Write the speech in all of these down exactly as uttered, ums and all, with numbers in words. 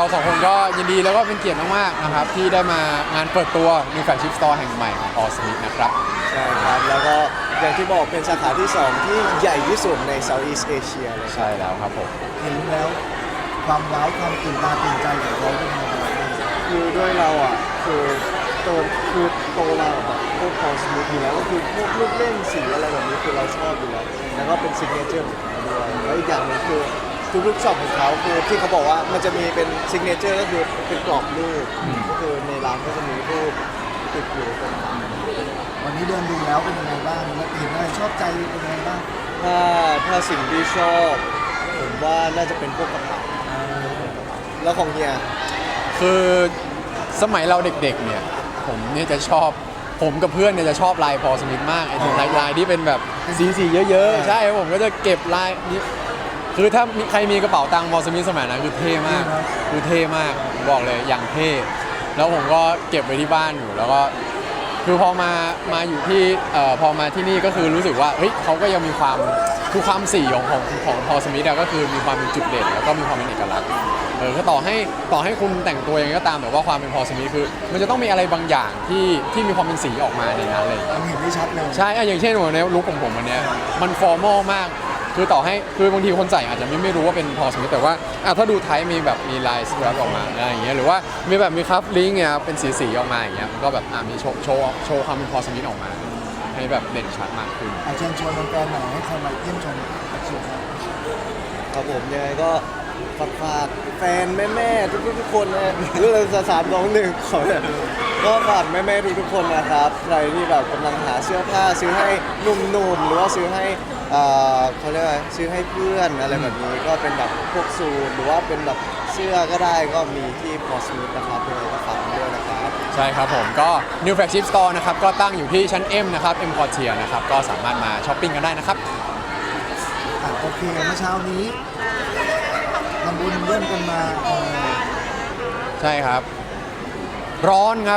สองคนก็ยินดีแล้วก็เป็นเกียรติมากๆนะครับที่ได้มางานเปิดตัว New Flagship Store แห่งใหม่ของ All Smith นะครับใช่ครับแล้วก็อย่างที่บอกเป็นสาขาที่สองที่ใหญ่ที่สุดใน Southeast Asia เลยใช่แล้วครับผมเห็นแล้วความว้าวความตื่นตาตื่นใจของเราเป็นยังไงบ้างคือด้วยเราอ่ะคือโตคือโตมาแบบพวกคอสมิธอยู่แล้วก็คือพวกลูกเล่นสีอะไรแบบนี้คือเราชอบอยู่แล้วแล้วก็เป็นซิกเนเจอร์ของเขาด้วยแล้วอีกอย่างหนึงคือทุกๆช็อปของเขาคือที่เขาบอกว่ามันจะมีเป็นซิกเนเจอร์ก็คือเป็นกรอบรูปก็คือในร้านก็จะมีรูปติดอยู่ตรงนั้นวันนี้เดินดูแล้วเป็นยังไงบ้างแล้วเห็นอะไรชอบใจเป็นยังไงบ้างถ้าถ้าสิ่งที่ชอบผมว่าน่าจะเป็นพวกกระเป๋าแล้วของเฮียคือสมัยเราเด็กๆเนี่ยผมเนี่ยจะชอบผมกับเพื่อนเนี่ยจะชอบลายพอสมิธมากไอ้ลายลายที่เป็นแบบสีสีเยอะๆใช่ผมก็จะเก็บลายนี้คือถ้ามีใครมีกระเป๋าตังค์พอสมิธสมัยนั้นคือเท่มากคือเท่มากบอกเลยอย่างเท่แล้วผมก็เก็บไว้ที่บ้านอยู่แล้วก็คือพอมามาอยู่ที่เอ่อพอมาที่นี่ก็คือรู้สึกว่าเฮ้ยเขาก็ยังมีความคือความสีของของของพอสมิธก็คือมีความเป็นจุดเด่นแล้วก็มีความเป็นเอกลักษณ์เออก็ต่อให้ต่อให้คุณแต่งตัวยังไงก็ตามแต่ว่าความเป็นพอสมิธคือมันจะต้องมีอะไรบางอย่างที่ที่มีความเป็นสีออกมาในนั้นเลยมันเห็นได้ชัดเลยใช่อย่างเช่นวันนี้ลุคของผมวันนี้มันฟอร์มอลมากคือต่อให้คือบางทีคนใส่อาจจะไม่ไม่รู้ว่าเป็นพอสมิธแต่ว่าถ้าดูไทป์มีแบบมีลายสครับออกมาอะไรอย่างเงี้ยหรือว่ามีแบบมีคัฟลิงก์เนี่ยเป็นสีสีออกมาอย่างเงี้ยก็แบบมีโชว์โชว์โชว์ความเป็นพอสมิธออกมาให้แบบเด่นชัดมากขึ้นเชิญชวนแฟนๆหน่อยให้คนมาเยี่ยมชมกระสุนครับผมยังไงก็ฝากฝากแฟนแม่ๆทุกๆทุกคนนะหรือเราสามสองหนึ่งขอเลยก็ฝากแม่ๆทุกๆคนนะครับใครที่แบบกำลังหาเสื้อผ้าซื้อให้หนุ่มๆหรือว่าซื้อให้เขาเรียกว่าซื้อให้เพื่อนอะไรแบบนี้ก็เป็นแบบพวกสูทหรือว่าเป็นแบบเสื้อก็ได้ก็มีที่พอสมิธนะครับเลยก็ฝากด้วยนะครับใช่ครับผมก็ New Flagship Store นะครับก็ตั้งอยู่ที่ชั้น M นะครับ M Quartier นะครับก็สามารถมาช้อปปิ้งกันได้นะครับโอเคเมื่อเช้านี้ทำบุญเริ่มกันมาใช่ครับร้อนครับ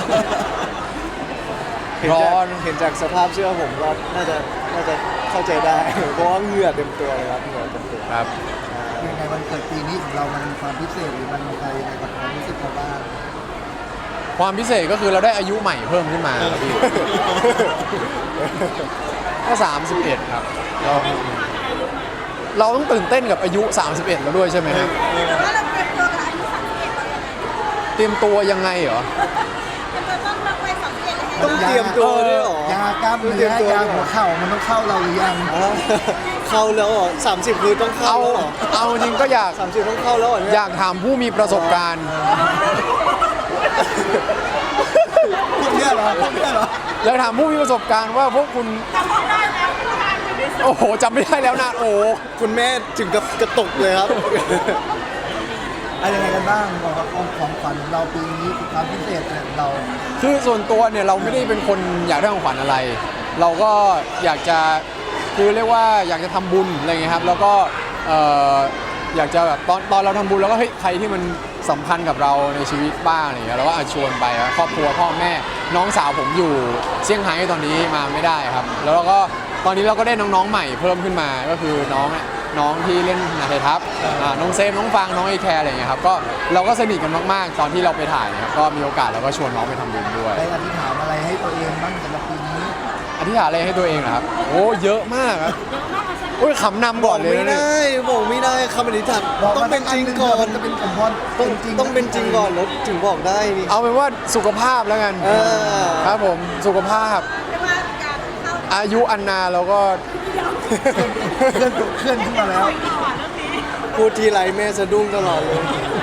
ร้อนเห็นจากสภาพเสื้อผมก็น่าจะน่าจะเข้าใจได้เพราะว่าเหงื่อเต็มตัวเลยครับเหงื่อเต็มตัวครับยังไงวันเกิดปีนี้ของเรามันมีความพิเศษหรือมันมีอะไรในกับความรู้สึกเราบ้างความพิเศษก็คือเราได้อายุใหม่เพิ่มขึ้นมาครับพี่ก็สามสิบเอ็ดครับเราเราต้องตื่นเต้นกับอายุสามสิบเอ็ดแล้วด้วยใช่ไหมครับแล้วเราเตรียมตัวกับอายุสามสิบเอ็ดเตรียมตัวยังไงเหรอต้องเตรียมตัวด้วยหรอยากล้ามเนื้อยาหัวเข่ามันต้องเข้าเราหรือยังเข้าแล้วเหรอสามสิบคือต้องเข้าเหรอเอาจริงก็อยากสามสิบต้องเข้าแล้วเหรออยากถามผู้มีประสบการณ์พวกนี้เหรอพวกนี้เหรออยากถามผู้มีประสบการณ์ว่าพวกคุณจำได้แล้วโอ้โหจำไม่ได้แล้วนะโอ้คุณแม่ถึงกับกระตุกเลยครับอะไรยังไงกันบ้างของของขวัญของเราปีนี้ความพิเศษของเราคือส่วนตัวเนี่ยเราไม่ได้เป็นคนอยากได้ของขวัญอะไรเราก็อยากจะคือเรียกว่าอยากจะทำบุญอะไรเงี้ยครับแล้วก็อยากจะแบบตอนตอนเราทำบุญแล้วก็เฮ้ยใครที่มันสำคัญกับเราในชีวิตบ้างอะไรเงี้ยเราก็ชวนไปครอบครัวพ่อแม่น้องสาวผมอยู่เซี่ยงไฮ้ตอนนี้มาไม่ได้ครับแล้วเราก็ตอนนี้เราก็ได้น้องๆใหม่เพิ่มขึ้นมาก็คือน้องน้องที่เล่นนาไททัพน้องเซฟน้องฟางน้องไอแคร์อะไรเงี้ยครับก็เราก็สนิทกันมากๆตอนที่เราไปถ่ายครับก็มีโอกาสเราก็ชวนน้องไปทำบุญด้วยได้อธิษฐานอะไรให้ตัวเองบ้างสำหรับปีนี้อธิษฐานอะไรให้ตัวเองครับโอ้เยอะมากครับโอ้ยขำนำก่อนเลยไม่ได้บอกไม่ได้คำอธิษฐานต้องเป็นจริงก่อนจะเป็นคำพรต้องต้องเป็นจริงก่อนแล้วถึงบอกได้นี่เอาเป็นว่าสุขภาพแล้วกันครับผมสุขภาพอายุอันนาเราก็เคลื่อนเคลื่อนขึ้นมาแล้วพูดทีไรแม่สะดุ้งตลอดเลย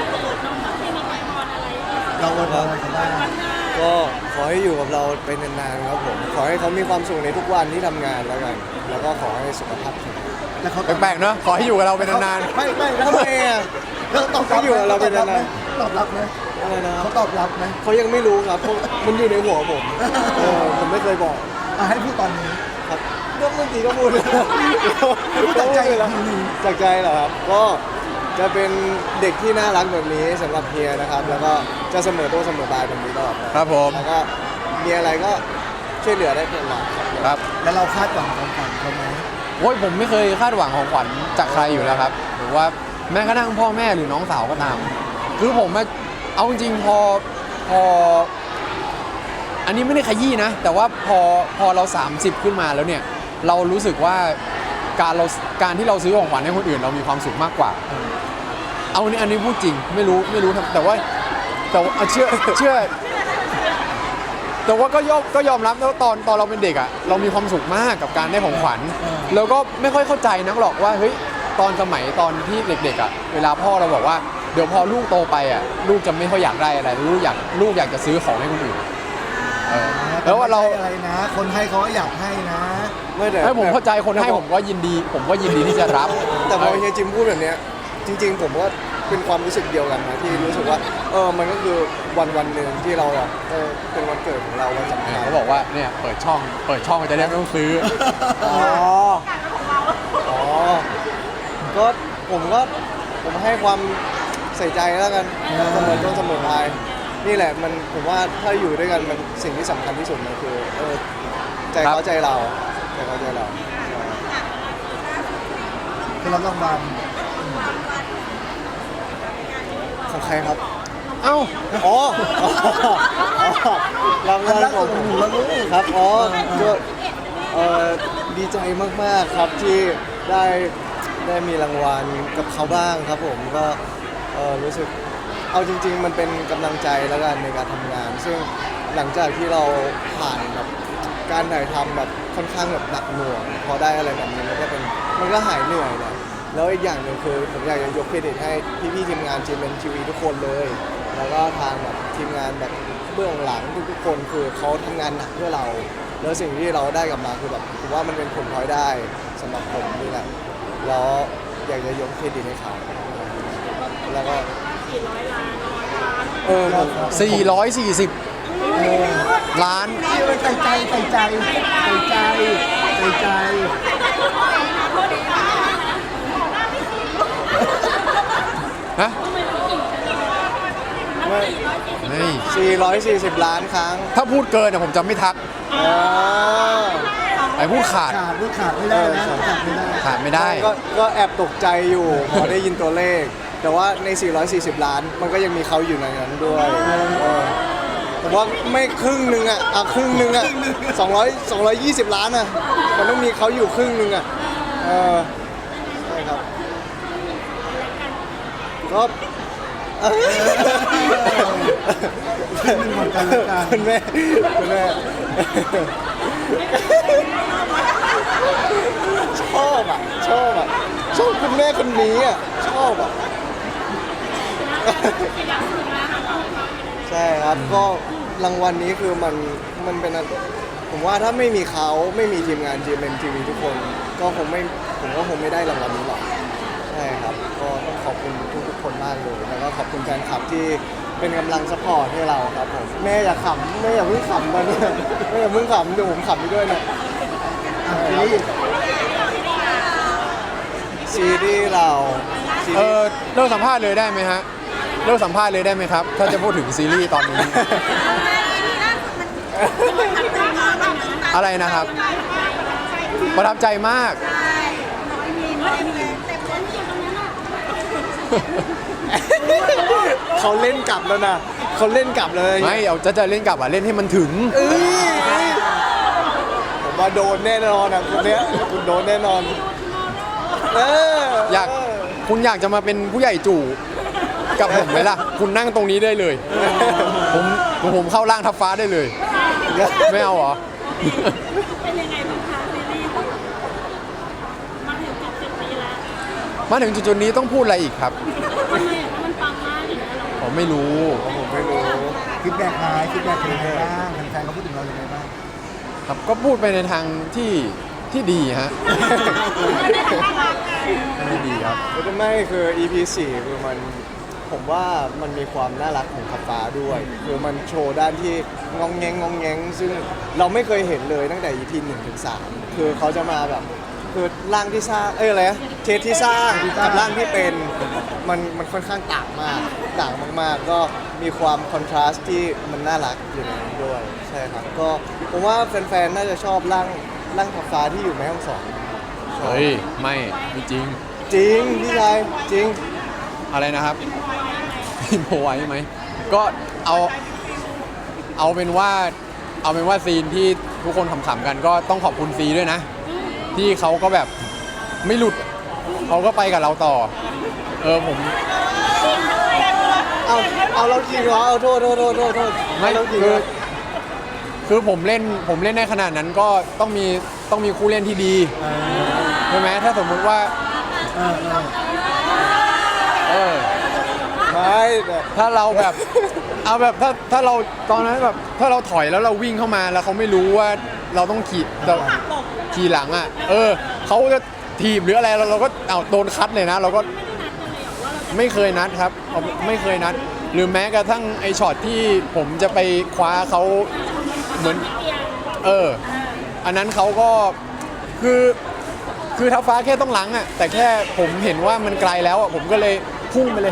เราอวยพรอะไรกันบ้างก็ขอให้อยู่กับเราไปนานๆครับผมขอให้เขามีความสุขในทุกวันที่ทำงานแล้วกันแล้วก็ขอให้สุขภาพแข็งแปลกๆเนาะขอให้อยู่กับเราไปนานๆไม่ไม่ทำไมอ่ะแล้วตอบรับอยู่กับเราไปนานๆตอบรับไหมอะไรนะเขาตอบรับไหมเขายังไม่รู้ครับมันอยู่ในหัวผมผมไม่เคยบอกให้พูดตอนนี้ครับก็เมื่อกี้ก็พูดจากใจแล้วจากใจเหรอครับก็จะเป็นเด็กที่น่ารักแบบนี้สำหรับเฮียนะครับแล้วก็จะเสมอตัวเสมอปลายแบบนี้ตลอดครับผมแล้วก็มีอะไรก็ช่วยเหลือได้ตลอดครับแล้วเราคาดหวังของขวัญเขาไหมโอ้ยผมไม่เคยคาดหวังของขวัญจากใครอยู่แล้วครับหรือว่าแม้กระทั่งพ่อแม่หรือน้องสาวก็ตามคือผมอะเอาจริงๆพอพอ อันนี้ไม่ได้ขยี้นะ แต่ว่าพอพอเรา สามสิบ ขึ้นมาแล้วเนี่ย เรารู้สึกว่าการเราการที่เราซื้อของขวัญให้คนอื่นเรามีความสุขมากกว่า เอาอันนี้อันนี้พูดจริงไม่รู้ไม่รู้ทำแต่ว่าแต่ว่าเชื่อเชื่อ แต่ว่าก็ยอมก็ยอมรับแล้วตอนตอนเราเป็นเด็กอ่ะเรามีความสุขมากกับการได้ของขวัญแล้วก็ไม่ค่อยเข้าใจนักหรอกว่าเฮ้ยตอนสมัยตอนที่เด็กๆอ่ะเวลาพ่อเราบอกว่าเดี๋ยวพอลูกโตไปอ่ะลูกจะไม่ค่อยอยากได้อะไรลูกอยากลูกอยากจะซื้อของให้คนอื่นเออแล้วว่าเราไม่ใช่อะไรนะ คนให้เขาก็อยากให้นะไม่แต่ให้ผมเข้าใจคนให้ผมก็ยินดี ผมก็ยินดีที่จะรับแต่พอเฮียจิมพูดแบบเนี้ยจริง ๆ ผมก็เป็นความรู้สึกเดียวกันนะที่รู้สึกว่าเออมันก็คือวันวันหนึ่งที่เราแบบเออเป็นวันเกิดของเราวันสำคัญเขาบอกว่าเนี่ยเปิดช่องเปิดช่องจะได้ไม่ต้องซื้ออ๋ออ๋อก็ผมก็ผมให้ความใส่ใจแล้วกันเสมอต้นเสมอปลายนี่แหละมันผมว่าถ้าอยู่ด้วยกันมันสิ่งที่สำคัญที่สุดมันคือเออใจเขาใจเราใจเขาใจเราคือรับรางวัลของใครครับเอ้าอ๋ออ๋อรางวัลของผมครับอ๋อก็เอ่อดีใจมากๆครับที่ได้ได้มีรางวัลกับเขาบ้างครับผมก็เอ่อรู้สึกเอาจริง ๆ มันเป็นกำลังใจแล้วกันในการทำงาน ซึ่งหลังจากที่เราผ่านแบบการถ่ายทำแบบค่อนข้างแบบหนักหน่วงพอได้อะไรแบบนี้มันก็เป็นมันก็หายเหนื่อยแหละแล้วอีกอย่างหนึ่งคือผมอยากจะยกเครดิตให้พี่ๆทีมงาน จี เอ็ม ที วี ทุกคนเลย แล้วก็ทางแบบทีมงานแบบเบื้องหลังทุกๆคนคือเขาทำงานหนักเพื่อเรา แล้วสิ่งที่เราได้กลับมาคือแบบผมว่ามันเป็นผลพลอยได้สำหรับผมนี่แหละแล้วอยากจะยกเครดิตให้เขาแล้วก็เออผมสี่ร้อยสี่สิบ ล้านใส่ใจใส่ใจใส่ใจใส่ใจฮะไม่เฮ้ยสี่ร้อยสี่สิบล้านครั้งถ้าพูดเกินอะผมจะไม่ทักอ๋อไอ้พูดขาดขาดไม่ขาดไม่ได้นะขาดไม่ได้ขาดไม่ได้ก็ก็แอบตกใจอยู่พอได้ยินตัวเลข แต่ว่าใน สี่ร้อยสี่สิบ ล้าน มันก็ยังมีเขาอยู่ในนั้นด้วยเออผมว่าไม่ครึ่งหนึ่งอ่ะอ่ะครึ่งหนึ่งอ่ะสองร้อยสองร้อยยี่สิบล้านอ่ะมันต้องมีเขาอยู่ครึ่งหนึ่งอ่ะเออใช่ครับก็เออเหมือนกันแล้วกันคุณแม่คุณแม่ชอบอ่ะชอบอ่ะชอบคุณแม่คนนี้อ่ะชอบอ่ะใช่ครับก็รางวัลนี้คือมันมันเป็นอะไรผมว่าถ้าไม่มีเขาไม่มีทีมงาน จี เอ็ม ที วี ทุกคน ก็คงไม่ผมก็คงไม่ได้รางวัลนี้หรอกใช่ครับก็ต้องขอบคุณทุกๆคนมากเลยแล้วก็ขอบคุณแฟนคลับที่เป็นกำลังซัพพอร์ตให้เราครับผมแม่อย่าขำแม่อย่าเพิ่งขำมาเนี่ยแม่อย่าเพิ่งขำเดี๋ยวผมขำไปด้วยนะอ่ะทีนี้ซีรีส์เราซีเอรีอส์เลิกสัมภาษณ์เลยได้ไหมฮะเลิกสัมภาษณ์เลยได้ไหมครับ ถ้าจะพูดถึงซีรีส์ตอนนี้ อะไรนะครับ ประทับใจมากเขาเล่นกลับแล้วนะเขาเล่นกลับเลยไม่เอาจะจะเล่นกลับอ่ะเล่นให้มันถึงเอ้ยผมว่าโดนแน่นอนอ่ะคุณเนี้ยคุณโดนแน่นอนเอออยากคุณอยากจะมาเป็นผู้ใหญ่จู่กับผมไหมล่ะ คุณนั่งตรงนี้ได้เลย ผมผมเข้าร่างทับฟ้าได้เลย ไม่เอาเหรอเป็นยังไงบ้างคะซีรีส์มาถึงจุดจุดนี้แล้วมาถึงจุดๆนี้ต้องพูดอะไรอีกครับทำไมอ่ะมันปังมากอย่างนี้ยเราผมไม่รู้ผมไม่รู้ฟีดแบ็กไงฟีดแบ็กเป็นยังไงบ้างแฟนๆเขาพูดถึงเราอย่างไรบ้างครับก็พูดไปในทางที่ที่ดีฮะ ไม่ดีครับไม่คือ อี พี สี่คือมันผมว่ามันมีความน่ารักของขับฟ้าด้วยคือมันโชว์ด้านที่งองแงงงองแงงซึ่งเราไม่เคยเห็นเลยตั้งแต่ อี พี หนึ่งถึงสามคือเขาจะมาแบบคือร่างที่สร้างเอ้ยอะไรนะเทสที่สร้างกับร่างที่เป็นมันมันค่อนข้างต่างมากต่างมากๆ ก็มีความคอนทราสต์ที่มันน่ารักอยู่ในนั้นด้วยใช่ครับก็ผมว่าแฟนๆน่าจะชอบร่างร่างขับฟ้าที่อยู่แม่ฮ่องสอนชอบเฮ้ย ไม่ไม่จริงจริงพี่ชายจริงอะไรนะครับอินโพไว้ไหมก็เอาเอาเป็นว่าเอาเป็นว่าซีนที่ทุกคนขำๆกันก็ต้องขอบคุณซีด้วยนะ ที่เขาก็แบบไม่หลุดเขาก็ไปกับเราต่อ เออผมเอาเอาเราจริงเหรอเอาโทษโทษโทษโทษโทษไม่เราจริงคืเหรออคือผมเล่นผมเล่นได้ขนาดนั้นก็ต้องมีต้องมีคู่เล่นที่ดีใช่ไหมถ้าสมมุติว่าเออเออเออไม่แต่ถ้าเราแบบ เอาแบบถ้าถ้าเราตอนนั้นแบบถ้าเราถอยแล้วเราวิ่งเข้ามาแล้วเขาไม่รู้ว่าเราต้องขี่เราขี่หลังอ่ะ เออเขาจะถีบหรืออะไรเราเราก็เอาโดนคัดเลยนะ เราก็ไม่เคยนัดครับเอาไม่เคยนัด หรือแม้กระทั่งไอช็อตที่ผมจะไปคว้าเขาเหมือน เออ อันนั้นเขาก็คือคือท้าฟ้าแค่ต้องหลังอ่ะแต่แค่ผมเห็นว่ามันไกลแล้วอ่ะผมก็เลยพุ่งไปเลย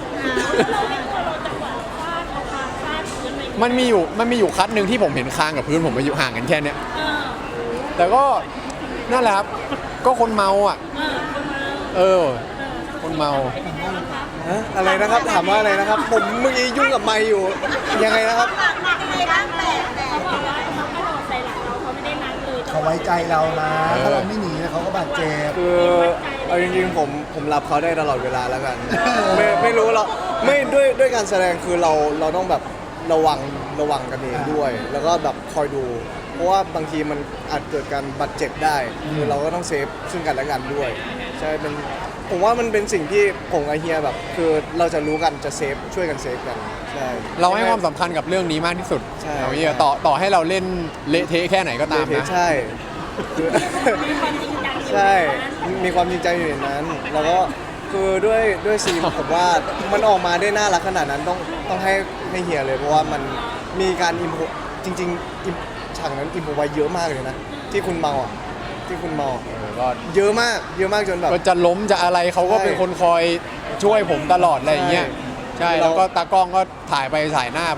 มันมีอยู่มันมีอยู่คัดหนึ่งที่ผมเห็นคางกับพื้นผมมาอยู่ห่างกันแค่เนี้ยแต่ก็นั่นแหละครับก็คนเมาอ่ะ เออ คนเมาฮะอะไรนะครับถามว่าอะไรนะครับ ผมเมื่อกี้ยุ่งกับไมค์อยู่ยังไงนะครับเขาบอกว่าเขากระโดดใส่หลังเราเขาไม่ได้นัดเลยเขาไว้ใจเรานะเออถ้าเราไม่หนีเขาก็บาดเจ็บคือเอาจริงๆผมผมรับเขาได้ตลอดเวลาแล้วกัน ไม่ไม่รู้เราไม่ด้วยด้วยการแสดงคือเราเราต้องแบบระวังระวังกันเองด้วย แล้วก็แบบคอยดู เพราะว่าบางทีมันอาจเกิดการบาดเจ็บได้คือเราก็ต้องเซฟซึ่งกันและกันด้วยใช่เป็นผมว่ามันเป็นสิ่งที่ผมกับเฮียแบบ คือเราจะรู้กันจะเซฟช่วยกันเซฟกันใช่เราให้ความสำคัญกับเรื่องนี้มากที่สุดใช่เอาอย่างเงี้ยต่อต่อให้เราเล่นเละเทะแค่ไหนก็ตามนะใช่คือมีความจริงจังอยู่ใช่ มีความจริงใจอยู่ในนั้น แล้วก็คือด้วยด้วยซีน ผมว่ามันออกมาได้น่ารักขนาดนั้นต้องต้องให้ให้เฮียเลยเพราะว่ามันมีการอิมโพจริงๆอิมฉากนั้นอิมโพไว้เยอะมากเลยนะ ที่คุณเมาอ่ะที่คุณเมาเออก็เยอะมากเยอะมากจนแบบก็จะล้มจะอะไรเขาก็ใช่เป็นคนคอยช่วยผมตลอดอะไรอย่างเงี้ยใช่ใช่เราแล้วก็ตากล้องก็ถ่ายไปถ่ายหน้าไป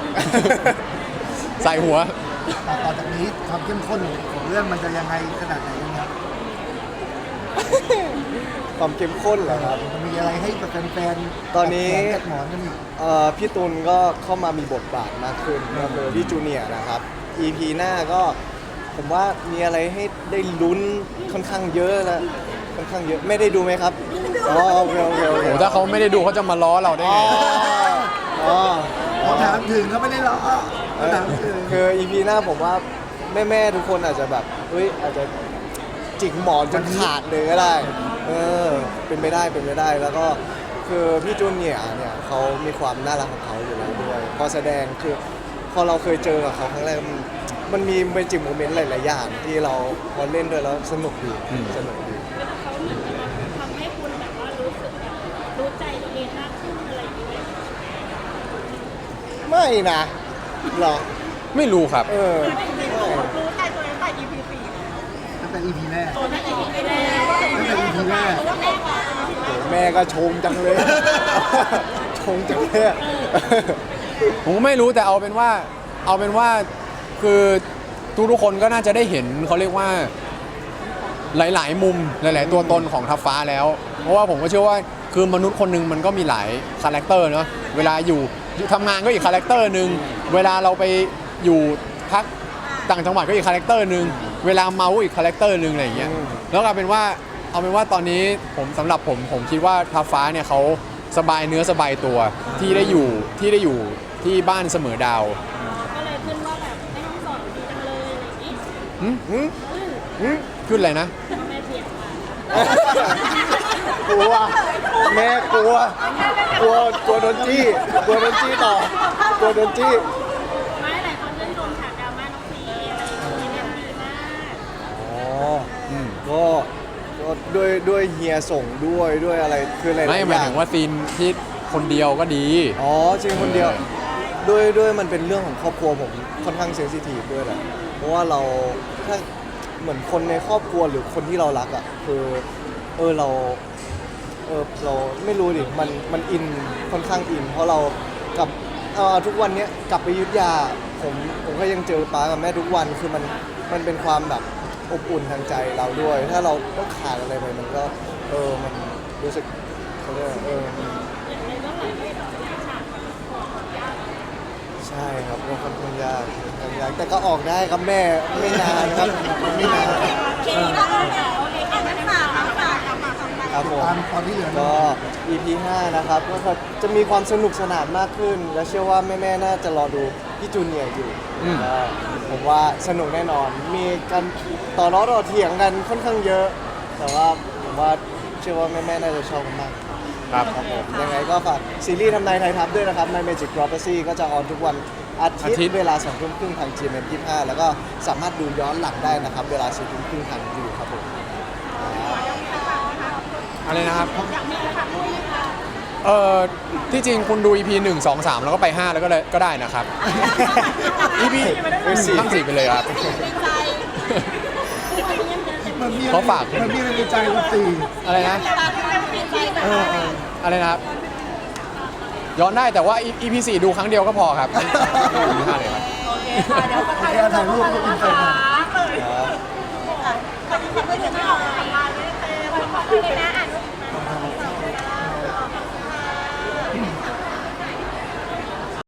ใส่หัวต่อต่อจากนี้ความเข้มข้นของเรื่องมันจะยังไงขนาดไหนครับความเข้มข้นเหรอครับมันมีอะไรให้กับแฟนๆตอนนี้แกะหมอนกันอีกเอ่อพี่ตุลก็เข้ามามีบทบาทมากขึ้นก็คือพี่จูเนียร์นะครับ อี พี หน้าก็ผมว่ามีอะไรให้ได้ลุ้นค่อนข้างเยอะนะค่อนข้างเยอะไม่ได้ดูไหมครับอ๋อโอเคโอเคโอเคโหถ้าเขาไม่ได้ดูเขาจะมาล้อเราได้อ๋อไงอ๋อเขาถามถึงเขาไม่ได้ล้อเอเขาอถามถึงคือ อี พี หน้าผมว่าแม่ๆทุกคนอาจจะแบบเฮ้ยอาจจะจิกหมอนจนขาดเลยก็ได้เออเป็นไปได้เป็นไปได้แล้วก็คือพี่จูเนียร์เนี่ยเขามีความน่ารักของเขาอยู่แล้วด้วยพอแสดงคือพอเราเคยเจอกับเขาครั้งแรกมันมันมีเมจิกโมเมนต์หลายๆอย่างที่เราพอเล่นด้วยแล้วสนุกดีอืมสนุกดีเขาเหมือนกับทำให้คุณแบบว่ารู้สึกแบบรู้ใจตัวเองมากขึ้นอะไรอย่างเงี้ยไม่นะหรอไม่รู้ครับเออรู้ใจตัวเองตั้งแต่ อี พี สี่ตั้งแต่ อี พี แรกตัวนั้น อี พี แรกตั้งแต่ อี พี แรกตัวแรกอะโหแม่ก็ชงจังเลย ชงจังเลยอะผมก็ไม่รู้แต่เอาเป็นว่าเอาเป็นว่าคือทุกทุกๆคนก็น่าจะได้เห็นเขาเรียกว่าหลาย ๆ มุมหลาย ๆ ตัวตนของทัพฟ้าแล้ว เพราะว่าผมก็เชื่อว่าคือมนุษย์คนหนึ่งมันก็มีหลายคาแรคเตอร์เนาะเวลาอยู่อยู่ทำงานก็อีกคาแรคเตอร์หนึ่งเวลาเราไปอยู่พักต่างจังหวัดก็อีกคาแรคเตอร์หนึ่งเวลาเมาก็อีกคาแรคเตอร์หนึ่งอะไรอย่างเงี้ยอืมแล้วเอาเป็นว่าเอาเป็นว่าตอนนี้ผมสำหรับผมผมคิดว่าทัพฟ้าเนี่ยเขาสบายเนื้อสบายตัวที่ได้อยู่ที่ได้อยู่ที่บ้านเสมอดาวก็เลยขึ้นว่าแบบไม่ต้องสอนดีจังเลยอะไรอย่างงี้หึหืมหืมขึ้นอะไรนะพ่อแม่เปลี่ยนไปกลัวแม่กลัว กลัวกลัวโดนจี้กลัวโดนจี้ต่อกลัวโดนจี้ไม่หลายคนชื่นชมฉากดราม่าน้องซีอะไรอย่างเงี้ยเล่นดีมากอ๋ออืมก็ก็ด้วยด้วยเฮียส่งด้วยด้วยอะไรคืออะไรไม่หมายถึงว่าซีนที่คนเดียวก็ดีอ๋อจริงคนเดียวด้วยด้วยมันเป็นเรื่องของครอบครัวผมค่อนข้างเซนซิทีฟด้วยแหละเพราะว่าเราถ้าเหมือนคนในครอบครัวหรือคนที่เรารักอ่ะคือเออเราเออเราไม่รู้ดิมันมันอินค่อนข้างอิน เพราะเรากับเอ่อทุกวันเนี้ยกลับไปอยุธยาผมผมก็ยังเจอป้ากับแม่ทุกวันคือมันมันเป็นความแบบอบอุ่นทางใจเราด้วย ถ้าเราต้องขาดอะไรไปมันก็เออมันรู้สึกเขาเรียกว่าเออมันอย่างในเรื่องหลังที่ฉากใช่ครับก็ค่อนข้างยากค่อนข้างยากแต่ก็ออกได้ครับแม่ไม่นานครับไม่นานคีก็โอเคโอเคแค่นั้นฝากฝากฝากฝากของไปครับผมตามตอนที่เหลือก็ อี พี ห้านะครับก็จะมีความสนุกสนานมากขึ้น และเชื่อว่าแม่ๆน่าจะรอดูพี่จูเนียร์อยู่อืมก็ผมว่าสนุกแน่นอน มีการต่อล้อต่อเถียงกันค่อนข้างเยอะ แต่ว่าผมว่าเชื่อว่าแม่ๆน่าจะชอบกันมากครับครับผมยังไงก็ฝากซีรีส์ทำนายไทยทัพด้วยนะครับ My Magic Prophecy ก็จะออนทุกวันอาทิตอาทิตย์ย์เวลาสองทุ่มครึ่งทาง จี เอ็ม เอ็ม ยี่สิบห้าแล้วก็สามารถดูย้อนหลังได้นะครับ เวลาสี่ทุ่มครึ่งทางยูครับผมอะไรนะครับเออที่จริงคุณดู อี พี หนึ่ง สอง สามแล้วก็ไป ห้า แล้วก็เลยก็ได้นะครับ อี พี ทั้งสี่ไปเลยครับในใจมันมีเขาฝากมันมีอะไรในใจคุณตีอะไรนะตาที่เป็นใจแบบเออเอออะไรนะครับ ย้อนได้แต่ว่า อี พี สี่ดูครั้งเดียวก็พอครับไม่ดูห้าเลยครับโอเคค่ะเดี๋ยวคนไทยถ่ายรูปกับคุณนะคะเลยขอบคุณค่ะไม่ถึงหน่อยมาเลยเต้ขอบคุณเลยนะ